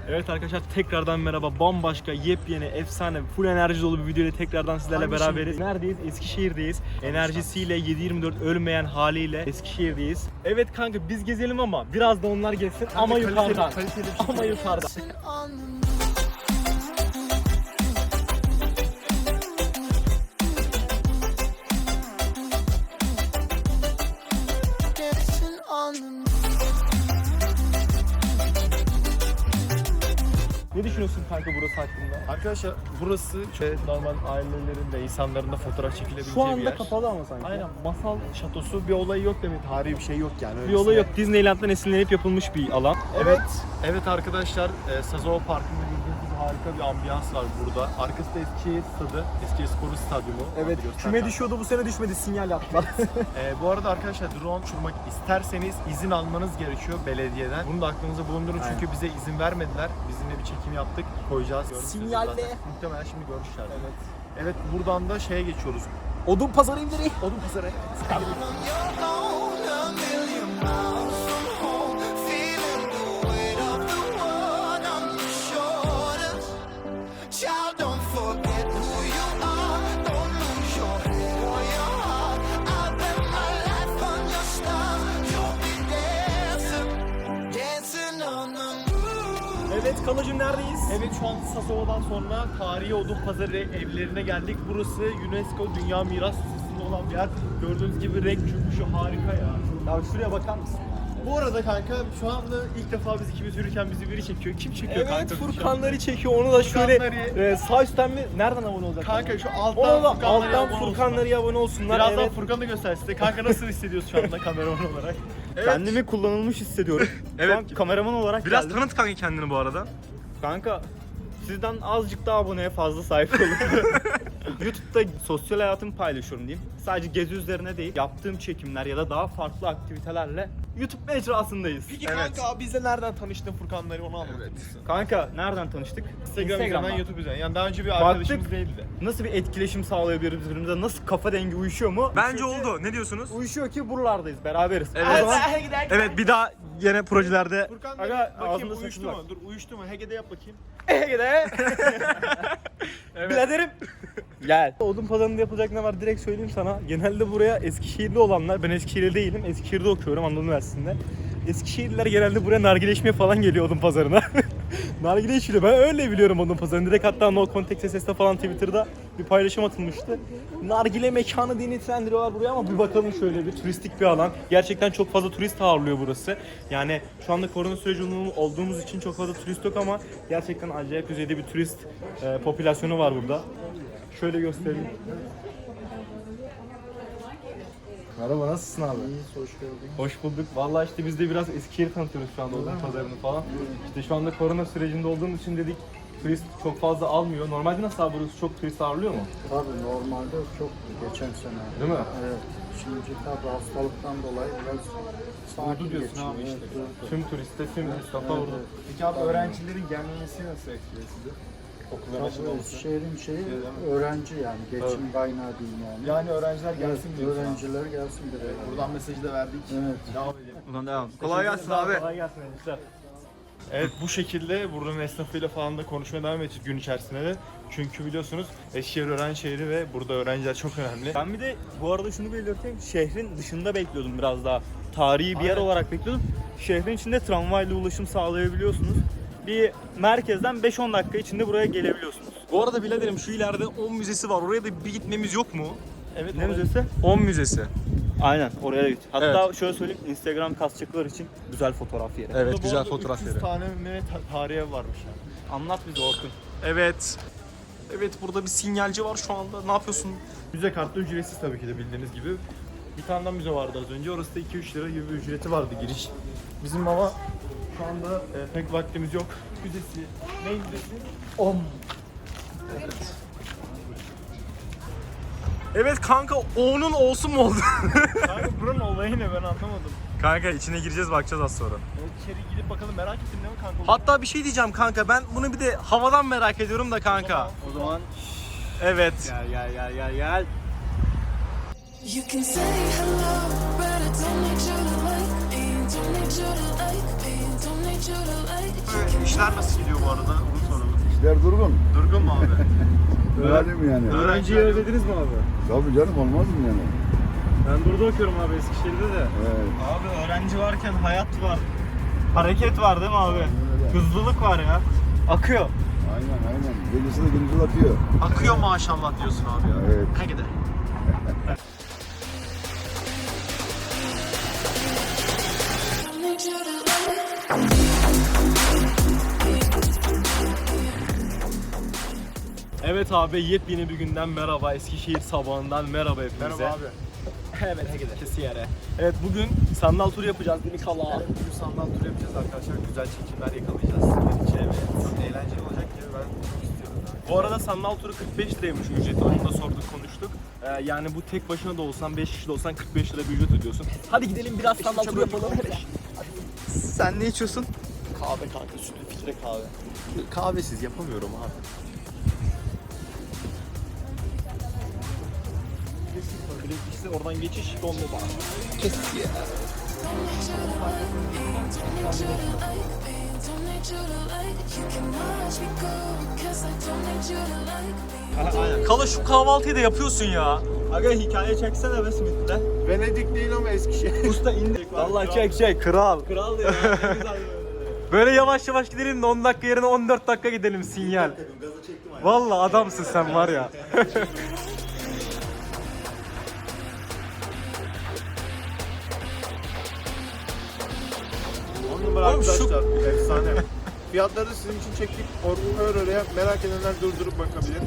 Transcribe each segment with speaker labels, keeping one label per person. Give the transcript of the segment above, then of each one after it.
Speaker 1: Evet arkadaşlar tekrardan merhaba. Bambaşka, yepyeni, efsane, full enerji dolu bir video ile tekrardan sizlerle beraberiz. Neredeyiz? Eskişehir'deyiz. Enerjisiyle 7/24 ölmeyen haliyle Eskişehir'deyiz. Evet kanka biz gezelim ama biraz da onlar gezsin kanka, ama yukarıdan. Ama yukarıdan. Ne düşünüyorsun kanka burası hakkında?
Speaker 2: Arkadaşlar burası normal ailelerin de insanların da fotoğraf çekilebileceği
Speaker 1: Şu
Speaker 2: bir
Speaker 1: anda
Speaker 2: yer.
Speaker 1: kapalı ama sanki.
Speaker 2: Aynen, masal şatosu bir olayı yok demek, tarihi bir şey yok yani.
Speaker 1: Bir olay yok. Disneyland'dan esinlenip yapılmış bir alan.
Speaker 2: Evet arkadaşlar, Sazova Parkı'nda gördüğünüz gibi harika bir ambiyans var burada. Arkası da Eskişehir stadı, Eskişehirspor Stadyumu.
Speaker 1: Evet, küme düşüyordu bu sene düşmedi, sinyal yaptılar.
Speaker 2: Bu arada arkadaşlar drone uçurmak isterseniz izin almanız gerekiyor belediyeden. Bunu da aklınızda bulundurun çünkü bize izin vermediler. Bizimle bir çekim yaptık, koyacağız.
Speaker 1: Sinyalle.
Speaker 2: Muhtemelen şimdi görüşler. Evet, buradan da şeye geçiyoruz.
Speaker 1: Odun pazarı indireyim.
Speaker 2: Odun pazarı.
Speaker 1: Evet Kalacığım neredeyiz?
Speaker 2: Evet, şu an Sasova'dan sonra tarihi odun pazarı evlerine geldik. Burası UNESCO Dünya Miras Listesi'nde olan bir yer. Gördüğünüz gibi renk çöküşü harika ya.
Speaker 1: Ya şuraya bakar mısın?
Speaker 2: Bu arada kanka şu anda ilk defa biz ikimiz yürürken bizi biri çekiyor. Kim çekiyor
Speaker 1: Evet
Speaker 2: kanka?
Speaker 1: Furkanları çekiyor, onu da şöyle
Speaker 2: Furkanları.
Speaker 1: sağ üstten mi? Nereden abone olacak?
Speaker 2: Kanka şu
Speaker 1: Ona da
Speaker 2: alttan
Speaker 1: alttan Furkanları abone olsunlar.
Speaker 2: Birazdan
Speaker 1: Evet.
Speaker 2: Furkan'ı göster size. Kanka nasıl hissediyorsun şu anda kameraman olarak?
Speaker 1: Kendimi kullanılmış hissediyorum.
Speaker 3: Evet.
Speaker 1: Şu an kameraman olarak
Speaker 3: Biraz
Speaker 1: geldim.
Speaker 3: tanıt kanka kendini bu arada.
Speaker 1: Kanka sizden azıcık daha aboneye fazla sahip olun. YouTube'da sosyal hayatımı paylaşıyorum diyeyim. Sadece gezi üzerine değil, yaptığım çekimler ya da daha farklı aktivitelerle YouTube mecrasındayız.
Speaker 2: Peki kanka bizle nereden tanıştın Furkan'ları onu anlat.
Speaker 1: Kanka nereden tanıştık?
Speaker 2: Instagram üzerinden, YouTube üzerinden. Yani daha önce bir
Speaker 1: Baktık.
Speaker 2: arkadaşımız değildi.
Speaker 1: Nasıl bir etkileşim sağlayabiliriz birbirimize? Nasıl kafa dengi uyuşuyor mu?
Speaker 3: Bence
Speaker 1: Uyuşuyor ki-
Speaker 3: oldu. Ne diyorsunuz?
Speaker 1: Uyuşuyor ki buralardayız, beraberiz.
Speaker 3: Evet.
Speaker 1: O zaman
Speaker 3: Evet, bir daha yine projelerde
Speaker 2: Furkan
Speaker 1: Aga,
Speaker 2: bakayım
Speaker 1: ağzında
Speaker 2: uyuştu
Speaker 1: sakız
Speaker 2: mu?
Speaker 1: var.
Speaker 2: Dur uyuştu mu? Hege'de yap bakayım.
Speaker 1: Ege'de. Biraderim. Gel. Odun pazarında yapılacak ne var direkt söyleyeyim sana. Genelde buraya Eskişehirli olanlar, ben Eskişehirli değilim. Eskişehir'de okuyorum Anadolu Üniversitesi'nde. Eskişehirliler genelde buraya nargileşmeye falan geliyor odun pazarına. Nargile içiliyor. Ben öyle biliyorum odun pazarını. Direkt hatta No Context SS'de falan Twitter'da bir paylaşım atılmıştı. Nargile mekanı diye nitelendiriyorlar buraya ama bir bakalım şöyle bir turistik bir alan. Gerçekten çok fazla turist ağırlıyor burası. Yani şu anda korona süreci olduğumuz için çok fazla turist yok ama gerçekten acayip düzeyde bir turist popülasyonu var burada. Şöyle göstereyim. Merhaba, nasılsın abi?
Speaker 4: İyiyiz, hoş geldin.
Speaker 1: Hoş bulduk. Vallahi işte biz de biraz Eskişehir'i tanıtıyoruz şu anda odun pazarını falan. İşte şu anda korona sürecinde olduğumuz için dedik turist çok fazla almıyor. Normalde nasıl abi burası çok turist ağırlıyor mu?
Speaker 4: Tabii normalde çok geçen sene.
Speaker 1: Değil mi?
Speaker 4: Evet. Şimdi tabii hastalıktan dolayı biraz sakin
Speaker 2: diyorsun
Speaker 4: geçiyor.
Speaker 2: abi işte.
Speaker 4: Evet, durdu.
Speaker 1: Tüm turiste, tüm esnafa
Speaker 4: Evet,
Speaker 1: vurdu.
Speaker 4: evet.
Speaker 2: Peki abi öğrencilerin gelmemesi nasıl etkiliyor sizi? Okulların açık
Speaker 4: Tabii
Speaker 2: olması.
Speaker 4: şehrin şeyi öğrenci yani. Geçim kaynağı diyeyim yani.
Speaker 2: Yani öğrenciler
Speaker 4: Evet,
Speaker 2: gelsin diyorsun.
Speaker 4: öğrenciler gelsin buraya.
Speaker 2: Buradan mesajı da verdik.
Speaker 4: Evet.
Speaker 2: Devam edelim.
Speaker 3: Buradan devam. Kolay gelsin abi.
Speaker 1: Kolay gelsin gençler.
Speaker 2: Evet, bu şekilde buranın esnafıyla falan da konuşmaya devam edeceğiz gün içerisinde de. Çünkü biliyorsunuz Eskişehir öğrenci şehri ve burada öğrenciler çok önemli.
Speaker 1: Ben bir de bu arada şunu belirteyim. Şehrin dışında bekliyordum biraz daha. Tarihi bir yer
Speaker 2: Aynen.
Speaker 1: olarak bekliyordum. Şehrin içinde tramvayla ulaşım sağlayabiliyorsunuz. Bir merkezden 5-10 dakika içinde buraya gelebiliyorsunuz.
Speaker 3: Bu arada biraderim şu ileride 10 müzesi var. Oraya da bir gitmemiz yok mu?
Speaker 1: Evet, ne müzesi?
Speaker 3: 10 müzesi.
Speaker 1: Aynen, oraya da git. Hatta şöyle söyleyeyim, Instagram kasçaklar için güzel fotoğraf yeri.
Speaker 3: Evet,
Speaker 2: Burada bu
Speaker 3: güzel
Speaker 2: arada
Speaker 3: fotoğraf
Speaker 2: 300
Speaker 3: yeri.
Speaker 2: tane mi tarihe varmış yani.
Speaker 1: Anlat bize Orkun.
Speaker 3: Evet. Evet, burada bir sinyalci var şu anda. Ne yapıyorsun?
Speaker 2: Müze kartı ücretsiz tabii ki de bildiğiniz gibi. Bir tane daha müze vardı az önce. Orası da 2-3 lira gibi bir ücreti vardı giriş. Bizim ama şu anda pek vaktimiz yok. Müzesi. Ne müzesi?
Speaker 3: Evet kanka, onun olsun mu oldu?
Speaker 2: Kanka buranın olayı ne, ben anlamadım.
Speaker 3: Kanka içine gireceğiz, bakacağız az sonra.
Speaker 2: İçeri gidip bakalım, merak ettim değil mi kanka?
Speaker 3: Hatta bir şey diyeceğim kanka, ben bunu bir de havadan merak ediyorum da kanka.
Speaker 1: O zaman
Speaker 3: Evet.
Speaker 1: gel.
Speaker 5: You can say hello, but I don't need you to like me. Don't need you to like me. Don't need you to like me.
Speaker 3: İşler nasıl gidiyor bu
Speaker 2: bu arada? Onu soralım.
Speaker 4: İşler durgun.
Speaker 2: Durgun mu abi?
Speaker 4: Öğrenim yani.
Speaker 1: Öğrenciyi özlediniz mi abi?
Speaker 4: Tabii canım, olmaz mı yani?
Speaker 1: Ben burada okuyorum abi Eskişehir'de de.
Speaker 4: Evet.
Speaker 2: Abi öğrenci varken hayat var. Hareket var değil mi abi?
Speaker 4: Öyle.
Speaker 2: Hızlılık var ya. Akıyor.
Speaker 4: Aynen. Gecesi de gündüz atıyor.
Speaker 3: Akıyor maşallah diyorsun abi ya.
Speaker 4: Evet.
Speaker 3: Hadi de.
Speaker 5: Don't need you to like.
Speaker 1: Evet abi yepyeni bir günden merhaba. Eskişehir sabahından merhaba hepinize.
Speaker 2: Merhaba abi.
Speaker 1: Evet Eskişehir'e. Evet bugün sandal turu yapacağız değil mi Kala?
Speaker 2: Bugün sandal tur yapacağız arkadaşlar. Güzel çekimler yakalayacağız sizin için. Evet. Çok eğlenceli olacak gibi ben çok istiyorum.
Speaker 1: Bu arada sandal turu 45 liraymış ücreti. Onu da sorduk konuştuk. Yani bu tek başına da olsan 5 kişi de olsan 45 lira bir ücret ödüyorsun. Hadi gidelim biraz sandal turu yapalım.
Speaker 3: Sen ne içiyorsun?
Speaker 2: Kahve kanka, sütlü filtre kahve. Kahvesiz yapamıyorum abi.
Speaker 1: Birincisi oradan geçiş dondu bana.
Speaker 5: Don't need you to like. You can watch me go. 'Cause I don't need you to like me.
Speaker 3: Kala şu kahvaltıyı da yapıyorsun ya.
Speaker 1: Aga hikaye çeksene be Smith'le.
Speaker 2: Venedik değil ama Eskişehir.
Speaker 1: Usta indir. Vallahi çek. Kral. Kral ya. Ne güzel
Speaker 3: Böyle yavaş yavaş gidelim de 10 dakika yerine 14 dakika gidelim sinyal. Vallahi adamsın sen var ya.
Speaker 2: On numara
Speaker 3: Oğlum şu-
Speaker 2: arkadaşlar. Efsane. Fiyatları sizin için çektik. Oraya merak edenler durdurup bakabilir.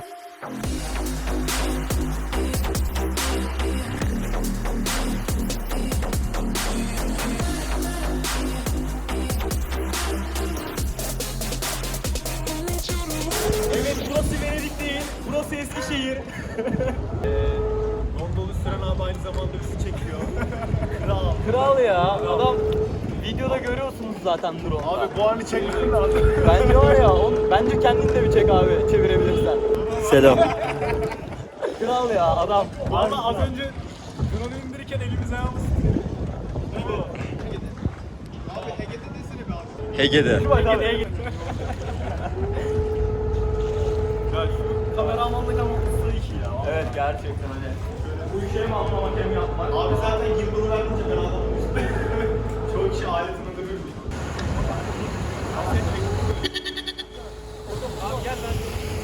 Speaker 1: Evet burası Venedik değil. Burası Eskişehir.
Speaker 2: Gondolu süren abi aynı zamanda bizi çekiyor.
Speaker 1: Kral ya. Adam videoda görüyorsunuz zaten drone'da.
Speaker 2: Abi bu anı çekmek lazım.
Speaker 1: Bence var ya, bence kendin de bir çek abi çevirebilirsen.
Speaker 4: Selam.
Speaker 1: Kral ya adam. Ama az önce drone'u indirirken elimiz ayağımız
Speaker 3: Hege'de.
Speaker 1: Şu bak abi. Ya şu kameramanlık ama ıslı işi ya. Evet gerçekten hani. Bu işe mi anlamak hem yapmak.
Speaker 2: Abi zaten gimbal verince ben anlamamıştım. Çoğu kişi aletini duruyor.
Speaker 1: Abi gel lan.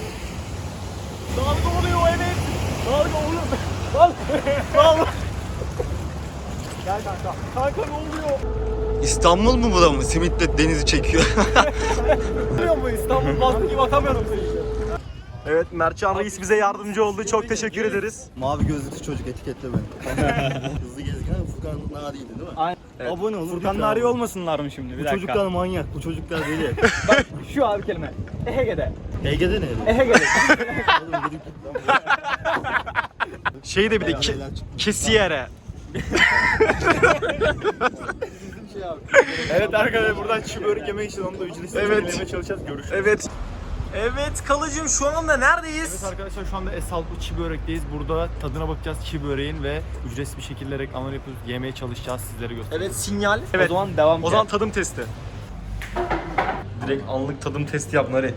Speaker 1: Dalga oluyor evet. Dalga oluyor. Dalga. Gel kanka. Kanka ne oluyor?
Speaker 3: İstanbul mu bu da mı? Simit'le denizi çekiyor.
Speaker 1: Biliyor musun İstanbul bastı gibi atamıyorum seni. Evet Mertcan Reis bize yardımcı oldu. Çok teşekkür ederiz.
Speaker 6: Mavi gözlüklü çocuk etiketle beni. Hızlı gezgin Furkan Nari'ydi değil mi?
Speaker 1: Aynen.
Speaker 6: Abone olun.
Speaker 1: Furkan Nari olmasınlar mı şimdi? Bir
Speaker 6: Bu çocuklar manyak, bu çocuklar deli.
Speaker 1: Şu abi kelime. Ehege'de.
Speaker 6: Ege'de ne?
Speaker 1: Ehege'de.
Speaker 6: Oğlum gidip
Speaker 3: Şey de bir de Kesiyere.
Speaker 2: Evet arkadaşlar buradan çiğ börek yemek için onu da ücretsiz
Speaker 3: Evet.
Speaker 2: yemeye çalışacağız. Görüşürüz.
Speaker 3: Evet. Evet Kalıcım şu anda neredeyiz?
Speaker 2: Evet arkadaşlar şu anda Esaltlı çiğ börekteyiz. Burada tadına bakacağız çiğ böreğin ve ücretsiz bir şekilde reklamını yapıp yemeye çalışacağız, sizlere göstereceğiz.
Speaker 3: Evet sinyal. Evet.
Speaker 1: O zaman devam
Speaker 3: O zaman tadım testi. Direkt anlık tadım testi yap Nari.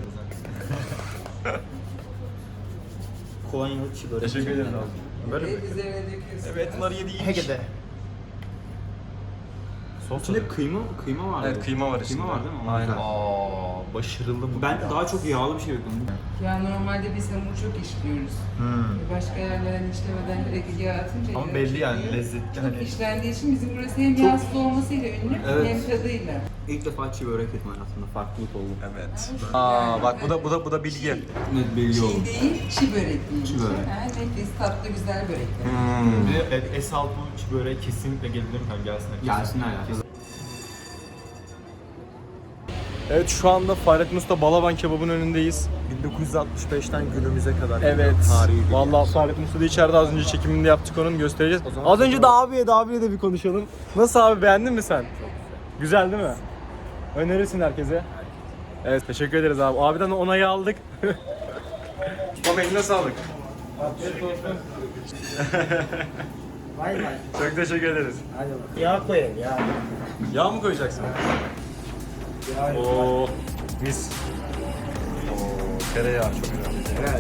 Speaker 6: Kolonyalı çiğ börek.
Speaker 3: Teşekkür ederim abi. Böyle mi? Evet Nari yedi iyi.
Speaker 2: Hege'de.
Speaker 7: İçinde kıyma var.
Speaker 3: Evet kıyma var içinde.
Speaker 7: Kıyma var değil mi?
Speaker 3: Aynen.
Speaker 2: Aa, başarılı bu.
Speaker 7: Ben daha çok yağlı bir şey bekliyorum.
Speaker 8: Ya normalde biz hamur çok işliyoruz. Başka yerlerden işlemeden direkt yağ atınca
Speaker 2: Ama
Speaker 8: yağ
Speaker 2: belli yani
Speaker 8: çıkıyor.
Speaker 2: lezzetli
Speaker 8: Çok
Speaker 2: hani.
Speaker 8: işlendiği için bizim burası hem yağsız olmasıyla ünlü
Speaker 7: Evet.
Speaker 8: hem tadıyla.
Speaker 7: İlk defa çiğ börek yedim hayatımda. Farklılık oldu.
Speaker 3: Evet. Aa bak bu da bilgi.
Speaker 7: Net belli oldu.
Speaker 8: Çiğ değil, çiğ börek değil.
Speaker 7: Çiğ börek.
Speaker 8: Ha, nefis, tatlı, güzel börekler.
Speaker 2: Bir de Esaltlı çiğ böreğe kesinlikle gelebilir mi? Gelsinler.
Speaker 7: Gelsinler ya.
Speaker 1: Evet şu anda Fahrettin Usta Balaban kebabın önündeyiz.
Speaker 2: 1965'ten günümüze kadar.
Speaker 1: Evet.
Speaker 2: Tarihi bir
Speaker 1: Vallahi Fahrettin Usta da içeride az önce çekiminde yaptık onun göstereceğiz. Az önce de abiyle de bir konuşalım. Nasıl abi beğendin mi sen? Güzel değil mi? Önerirsin herkese. Evet teşekkür ederiz abi. Abiden de onayı aldık.
Speaker 3: Baba eline sağlık.
Speaker 1: Çok teşekkür ederiz.
Speaker 6: Yağ koyayım ya.
Speaker 1: Yağ mı koyacaksın? Oo. Mis. Oo, tereyağı çok güzel.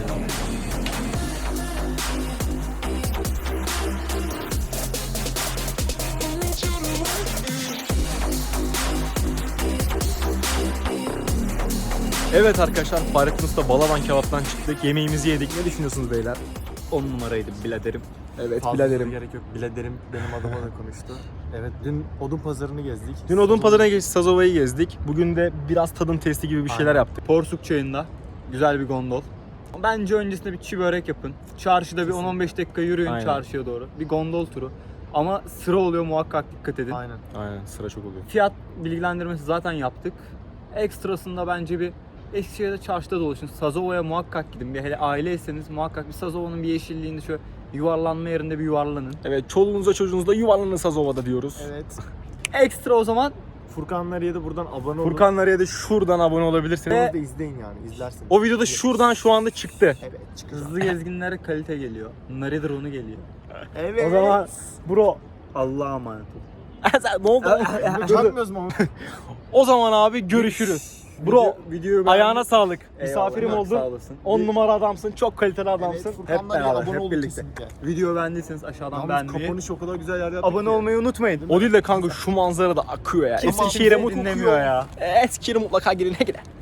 Speaker 1: Evet arkadaşlar, Fahrettin Usta Balaban Kebap'tan çıktık. Yemeğimizi yedik. Ne düşünüyorsunuz beyler?
Speaker 3: 10 numaraydı biraderim.
Speaker 1: Evet,
Speaker 2: Fazla
Speaker 1: biraderim.
Speaker 2: gerek yok. Biladerim benim adıma da konuştu. Evet, dün odun pazarını gezdik.
Speaker 1: Dün odun pazarına geçtik, Sazova'yı gezdik. Bugün de biraz tadım testi gibi bir şeyler
Speaker 2: Aynen.
Speaker 1: yaptık.
Speaker 3: Porsuk çayında güzel bir gondol. Bence öncesinde bir çiğ börek yapın. Çarşıda bir 10-15 dakika yürüyün
Speaker 1: Aynen.
Speaker 3: çarşıya doğru. Bir gondol turu. Ama sıra oluyor, muhakkak dikkat edin.
Speaker 2: Aynen.
Speaker 1: Aynen, sıra çok oluyor.
Speaker 3: Fiyat bilgilendirmesi zaten yaptık. Ekstrasında bence bir Eskişehir'de çarşıda dolaşın. Sazova'ya muhakkak gidin. Bir hele aileyseniz muhakkak bir Sazova'nın bir yeşilliğinde şöyle yuvarlanma yerinde bir yuvarlanın.
Speaker 1: Evet, çoluğunuza çocuğunuzla yuvarlanın Sazova'da diyoruz.
Speaker 2: Evet.
Speaker 3: Ekstra o zaman
Speaker 2: Furkanlar ya da buradan abone olun.
Speaker 1: Furkanlar'a da şuradan abone olabilirsiniz.
Speaker 2: Onu da izleyin yani, izlersiniz.
Speaker 1: O videoda şuradan şu anda çıktı.
Speaker 2: Evet, çıkacak.
Speaker 3: hızlı gezginlere kalite geliyor. Naridir onu geliyor.
Speaker 2: Evet.
Speaker 1: O zaman bro.
Speaker 3: Allah'a emanet olun.
Speaker 1: Ne oldu?
Speaker 2: Çakmıyoruz mu?
Speaker 1: O zaman abi görüşürüz. Bro,
Speaker 3: videoyu
Speaker 1: ayağına sağlık.
Speaker 3: Eyvallah,
Speaker 1: Misafirim
Speaker 3: sağ
Speaker 1: oldun.
Speaker 3: olasın.
Speaker 1: 10 numara adamsın. Çok kaliteli adamsın.
Speaker 2: Evet, Furkanlar ya,
Speaker 3: beraber,
Speaker 2: abone
Speaker 3: hep
Speaker 2: olun
Speaker 3: birlikte.
Speaker 2: kesinlikle.
Speaker 3: Video beğendiyseniz aşağıdan
Speaker 2: Yalnız
Speaker 3: beğenmeyi,
Speaker 2: kapanış o kadar güzel yer yaptık
Speaker 3: abone
Speaker 2: ki.
Speaker 3: olmayı unutmayın.
Speaker 1: O değil de kanka şu manzara da akıyor ya.
Speaker 3: Kimse
Speaker 1: Eskişehir'e
Speaker 3: kimseyi dinlemiyor ya.
Speaker 1: Eskişehir'e mutlaka gelin.